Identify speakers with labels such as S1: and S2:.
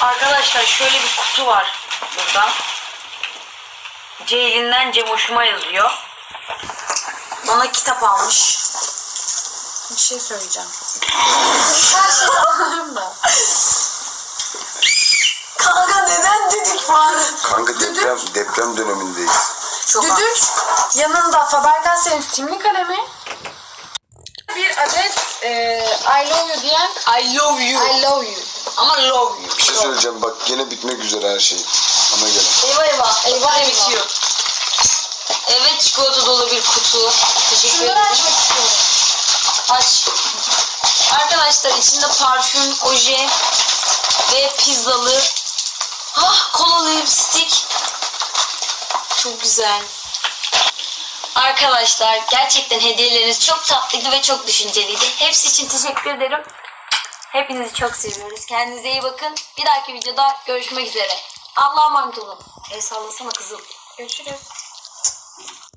S1: Arkadaşlar şöyle bir kutu var burada. Ceylin'den Cemoş'uma yazıyor. Bana kitap almış. Bir şey söyleyeceğim. Her şey alırım da. Kanka neden düdük var?
S2: Kanka deprem dönemindeyiz.
S1: Çok düdük. Yanında Faber-Castell'in simli kalemi. Bir adet I love you diyen I love you. I love you. Ama love you.
S2: Bir şey söyleyeceğim bak gene bitmek üzere her şey. Ona göre.
S1: Eyvah eyvah. Eyvah bitiyor. Evet, çikolata dolu bir kutu. Teşekkür ederim. Şunları açmak istiyorum. Aç. Arkadaşlar içinde parfüm, oje ve pizzalı kolalı lipstik. Çok güzel. Arkadaşlar gerçekten hediyeleriniz çok tatlıydı ve çok düşünceliydi. Hepsi için teşekkür ederim. Hepinizi çok seviyoruz. Kendinize iyi bakın. Bir dahaki videoda görüşmek üzere. Allah'a emanet olun. El sallasana kızım. Görüşürüz.